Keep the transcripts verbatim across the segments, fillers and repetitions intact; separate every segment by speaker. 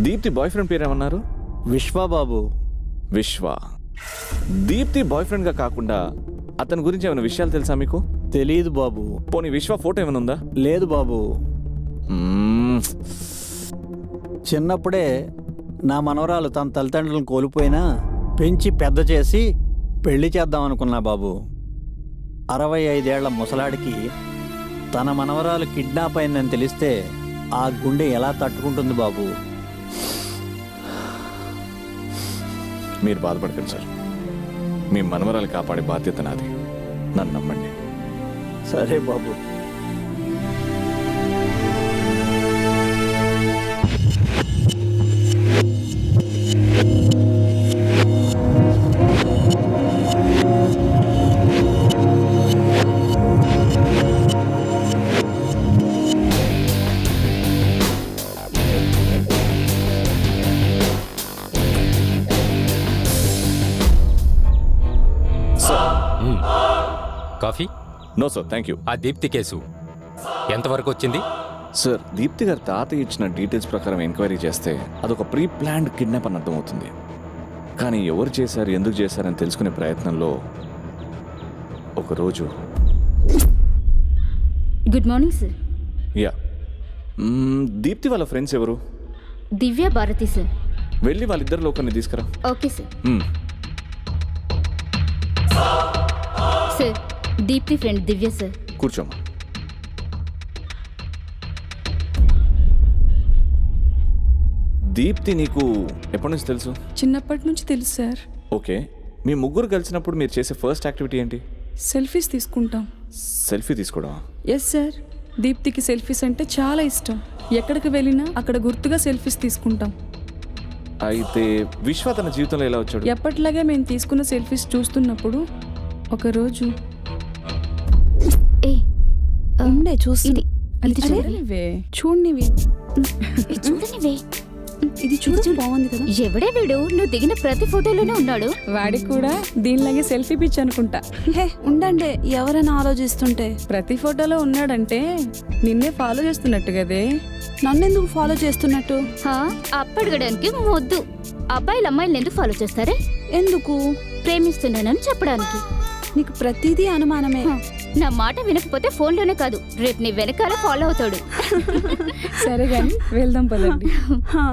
Speaker 1: Deepti boyfriend పేరేమన్నారు?
Speaker 2: Vishwababu.
Speaker 1: Vishwa. Deepti bye ఫ్రెండ్గా కాకుండా అతని గురించి ఏమైనా విషయాలు తెలుసా మీకు?
Speaker 2: తెలియదు బాబు.
Speaker 1: పోనీ విశ్వ ఫోటో ఏమైనా ఉందా?
Speaker 2: లేదు బాబు.
Speaker 1: మ్మ్.
Speaker 2: చిన్నప్పుడే నా మనవరాలు తన తల్లిదండ్రులను కోల్పోయినా పెంచి పెద్ద చేసి పెళ్లి చేద్దాం అనుకున్నా బాబు. అరవై ఐదేళ్ల ముసలాడికి తన మనవరాలు కిడ్నాప్ అయిందని తెలిస్తే ఆ గుండె ఎలా తట్టుకుంటుంది బాబు?
Speaker 1: మీరు బాధపడకండి సార్, మీ మనవరాలు కాపాడే బాధ్యత నాది, నన్ను నమ్మండి.
Speaker 2: సరే బాబు.
Speaker 3: Coffee?
Speaker 1: No sir, thank you.
Speaker 3: ఆ దీప్తి కేసు ఎంతవరకు వచ్చింది?
Speaker 1: సార్, దీప్తి గారి తాతయ్య ఇచ్చిన డీటెయిల్స్ ప్రకారం ఎంక్వైరీ చేస్తే అదొక ప్రీ ప్లాన్డ్ కిడ్నాప్ అని అర్థమవుతుంది. కానీ ఎవరు చేశారు, ఎందుకు చేశారని తెలుసుకునే ప్రయత్నంలో ఒకరోజు.
Speaker 4: Good morning sir.
Speaker 1: Yeah, Deepti వాళ్ళ ఫ్రెండ్స్ ఎవరు?
Speaker 4: దివ్య, భారతి సార్.
Speaker 1: వెళ్ళి వాళ్ళిద్దరిలో ఒకరిని తీసుకురా.
Speaker 4: Okay sir.
Speaker 1: మ్మ్.
Speaker 4: Sir, Deepti friend Divya sir.
Speaker 1: కూర్చోమ్మా. దీప్తి నీకు ఎప్పటి నుంచి తెలుసు?
Speaker 5: చిన్నప్పటి నుంచి తెలుసు సార్.
Speaker 1: ఓకే, మీ ముగ్గురు కలిసినప్పుడు మీరు చేసే ఫస్ట్ యాక్టివిటీ ఏంటి?
Speaker 5: సెల్ఫీస్ తీసుకుంటాం.
Speaker 1: సెల్ఫీ తీసుకోవడం?
Speaker 5: Yes sir. దీప్తికి సెల్ఫీస్ అంటే చాలా ఇష్టం. ఎక్కడికి వెళ్ళినా అక్కడ గుర్తుగా సెల్ఫీస్ తీసుకుంటాం.
Speaker 1: అయితే విశ్వ తన జీవితంలో ఎలా వచ్చాడు?
Speaker 5: ఎప్పటిలాగే మేము తీసుకున్న సెల్ఫీస్ చూస్తున్నప్పుడు ఒకరోజు
Speaker 4: ఏ
Speaker 5: ఉండే చూస్తుంది.
Speaker 4: ఇది
Speaker 5: అరే,
Speaker 4: చూడనివే.
Speaker 5: చూడనివి
Speaker 4: చూడనివే.
Speaker 5: ఇది చూడ బాగుంది కదా.
Speaker 4: ఎవడే వీడు? నువ్వు దిగిన ప్రతి ఫోటోలోనే ఉన్నాడు.
Speaker 5: వాడికి కూడా దీనిలాగే సెల్ఫీ పిచ్ అనుకుంటా.
Speaker 6: హే ఉండండి, ఎవరైనా ఆలోచిస్తుంటే.
Speaker 5: ప్రతి ఫోటోలో ఉన్నాడంటే నిన్నే ఫాలో చేస్తున్నట్టు కదే.
Speaker 6: నన్నెందుకు ఫాలో చేస్తున్నట్టు?
Speaker 4: హా, అప్పడగడానికి మొద్దు. అబ్బాయిలు అమ్మాయిలను ఎందుకు ఫాలో చేస్తారే?
Speaker 6: ఎందుకు?
Speaker 4: ప్రేమిస్తున్నానని చెప్పడానికి.
Speaker 6: నీకు ప్రతిదీ అనుమానమే.
Speaker 4: హ, నా మాట వినకపోతే ఫోన్లోనే కాదు, రేపు నీ వెనకాల ఫాలో అవుతాడు.
Speaker 5: సరే గాని వెళ్దాం పదండి.
Speaker 6: హా.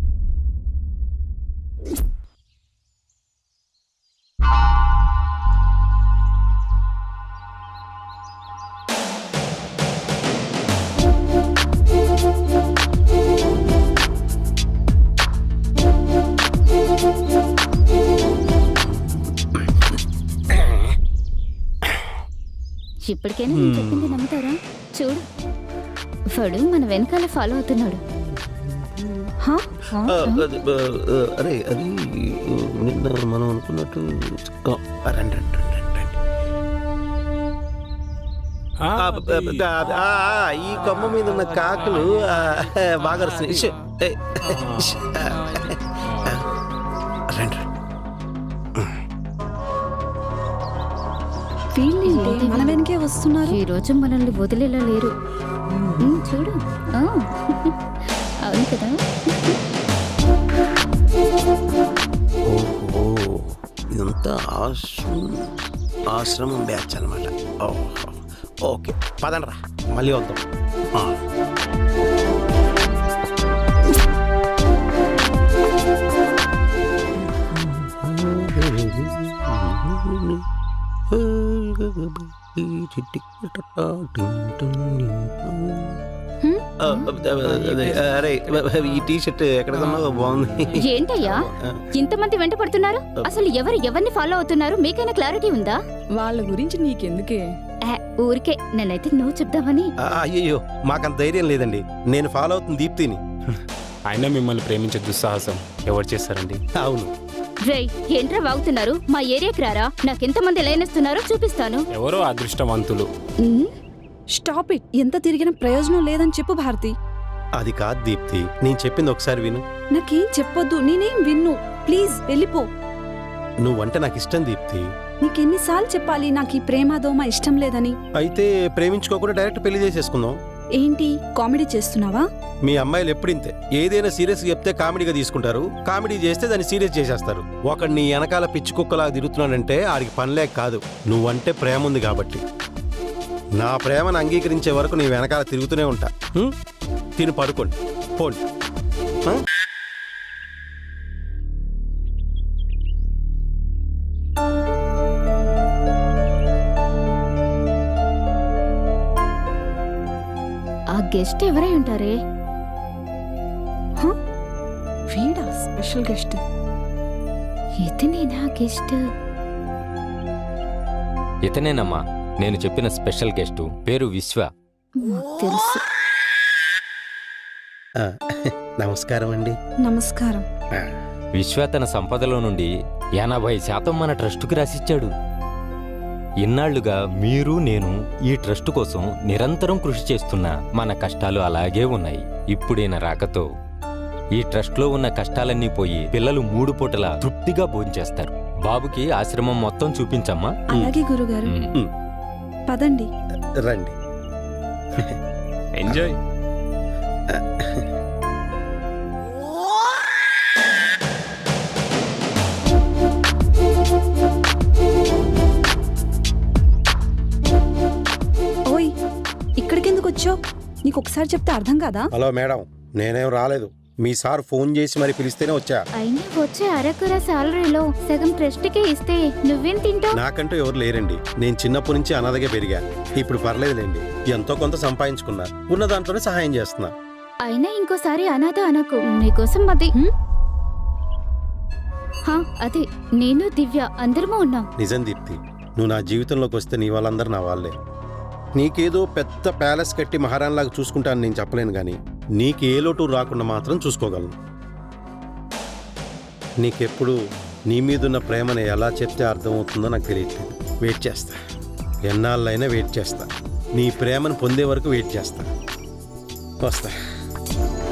Speaker 4: ఇప్పటికైనా నేను చెప్పింది నమ్ముతారా? చూడు, వాడు మన వెనకాల ఫాలో అవుతున్నాడు.
Speaker 6: హా?
Speaker 7: అరే అది నిన్న మనం అనుకున్నట్టు రండి రండి రండి రండి. ఈ కొమ్మ మీద ఉన్న కాకులు బాగా రండి రండి.
Speaker 6: వీళ్ళేంటి మన వెనకే వస్తున్నారు?
Speaker 4: ఈ రోజు మనల్ని వదిలేలా లేరు. ఉమ్, చూడు. ఆ, అవును కదా.
Speaker 7: ఓహో, ఇదంతా ఆశ్రమం ఆశ్రమం బ్యాచ్ అనమాట. ఓకే, పదండ్రా, మళ్ళీ వద్దాం. అరే, ఈ టీ షర్ట్ ఎక్కడ కొన్నావు? బాగుంది.
Speaker 4: ఏంటయ్యా ఇంతమంది వెంట పడుతున్నారు? అసలు ఎవరు ఎవరిని ఫాలో అవుతున్నారు మీకైనా క్లారిటీ ఉందా?
Speaker 5: వాళ్ళ గురించి నీకెందుకే?
Speaker 4: ఆ, ఊరికే నన్నైతే నువ్వు చెప్దామని.
Speaker 7: అయ్యయ్యో, మాకంత ధైర్యం లేదండి. నేను ఫాలో అవుతుంది దీప్తిని.
Speaker 3: అయినా మిమ్మల్ని ప్రేమించే దుస్సాహసం ఎవరు చేస్తారండి?
Speaker 7: అవును.
Speaker 4: రేయ్, ఏంట్రా వాగుతున్నారు? మా ఏరియాకి రారా, నాకెంతమంది లైనేస్తున్నారో చూపిస్తాను.
Speaker 3: ఎవరో అదృష్టవంతులు.
Speaker 6: Stop it. ఎంత తిరిగిన ప్రయోజనం లేదని చెప్పు భారతి.
Speaker 7: అది కాదు దీప్తి, నేను చెప్పింది ఒకసారి విను.
Speaker 6: నాకేం చెప్పొద్దు, నేనేం విన్ను. ప్లీజ్ వెళ్ళిపో.
Speaker 7: నువ్వంటే నాకు ఇష్టం దీప్తి.
Speaker 6: నీకెన్నిసార్లు చెప్పాలి నాకు ఈ ప్రేమ దోమ ఇష్టం లేదని?
Speaker 7: అయితే ప్రేమించుకోకుండా డైరెక్ట్ పెళ్లి చేసేసుకుందాం.
Speaker 6: ఏంటి కామెడీ చేస్తున్నావా?
Speaker 7: మీ అమ్మాయిలు ఎప్పుడింతే ఏదైనా సీరియస్ చెప్తే కామెడీగా తీసుకుంటారు, కామెడీ చేస్తే దాన్ని సీరియస్ చేసేస్తారు. ఒకడు నీ వెనకాల పిచ్చి కుక్కలాగా తిరుగుతున్నాడంటే ఆడికి పనిలేక కాదు, నువ్వంటే ప్రేమ ఉంది కాబట్టి. నా ప్రేమను అంగీకరించే వరకు నీ వెనకాల తిరుగుతూనే ఉంటా. హ్మ్? తిని పడుకోండి, పోండి. ఆ?
Speaker 4: ఆ గెస్ట్ ఎవరై ఉంటారే?
Speaker 6: వీడా స్పెషల్ గెస్ట్?
Speaker 4: ఇతనేనా గెస్ట్?
Speaker 8: ఇతనేనమ్మా నేను చెప్పిన స్పెషల్ గెస్టు, పేరు విశ్వ.
Speaker 4: మాకు తెలుసు.
Speaker 7: ఆ, నమస్కారం అండి.
Speaker 6: నమస్కారం.
Speaker 7: ఆ,
Speaker 8: విశ్వ తన సంపదలో నుండి ఎనభై శాతం మన ట్రస్టుకి రాసిచ్చాడు. ఇన్నాళ్లుగా మీరు నేను ఈ ట్రస్ట్ కోసం నిరంతరం కృషి చేస్తున్నా మన కష్టాలు అలాగే ఉన్నాయి. ఇప్పుడైన రాకతో ఈ ట్రస్ట్లో ఉన్న కష్టాలన్నీ పోయి పిల్లలు మూడు పూటల తృప్తిగా భోంచేస్తారు. బాబుకి ఆశ్రమం మొత్తం చూపించమ్మా.
Speaker 6: అలాగే గురుగారు.
Speaker 8: ఉమ్.
Speaker 6: పదండి.
Speaker 7: రండి.
Speaker 1: ఎంజాయ్.
Speaker 6: ఓయ్, ఇక్కడికెందుకు వచ్చావు? నీకు ఒకసారి చెప్తే అర్థం కాదా?
Speaker 7: హలో మేడం, నేనేం రాలేదు. మీ సార్ ఫోన్ చేసి మరి పిలిస్తేనే వచ్చా.
Speaker 4: అయినా వచ్చే అరకుర సాలరీలో సగం ట్రస్ట్కే ఇస్తే నువ్వేం తింటావు?
Speaker 7: నాకంటూ ఎవరు లేరండి. నేను చిన్నప్పటి నుంచి అనాథగా పెరిగా. ఇప్పుడు పర్లేదులేండి, ఎంతో కొంత సంపాదించుకున్నా. ఉన్న దాంట్లోనే సహాయం చేస్తున్నా.
Speaker 4: అయినా ఇంకోసారి అనాథ అనకు. నీకోసం అది
Speaker 6: హ్మ్?
Speaker 4: హా, అదే నేను దివ్య అందరము ఉన్నాం.
Speaker 7: నిజం దీప్తి, నువ్వు నా జీవితంలోకి వస్తే నీ వాళ్ళందరూ నా వాళ్ళే. నీకేదో పెద్ద ప్యాలెస్ కట్టి మహారాణిలాగా చూసుకుంటాను నేను చెప్పలేను, కానీ నీకు ఏ లోటు రాకుండా మాత్రం చూసుకోగలను. నీకెప్పుడు నీ మీదున్న ప్రేమని ఎలా చెప్తే అర్థమవుతుందో నాకు తెలియట్లేదు. వెయిట్ చేస్తా, ఎన్నాళ్ళైనా వెయిట్ చేస్తా. నీ ప్రేమను పొందే వరకు వెయిట్ చేస్తా. వస్తా.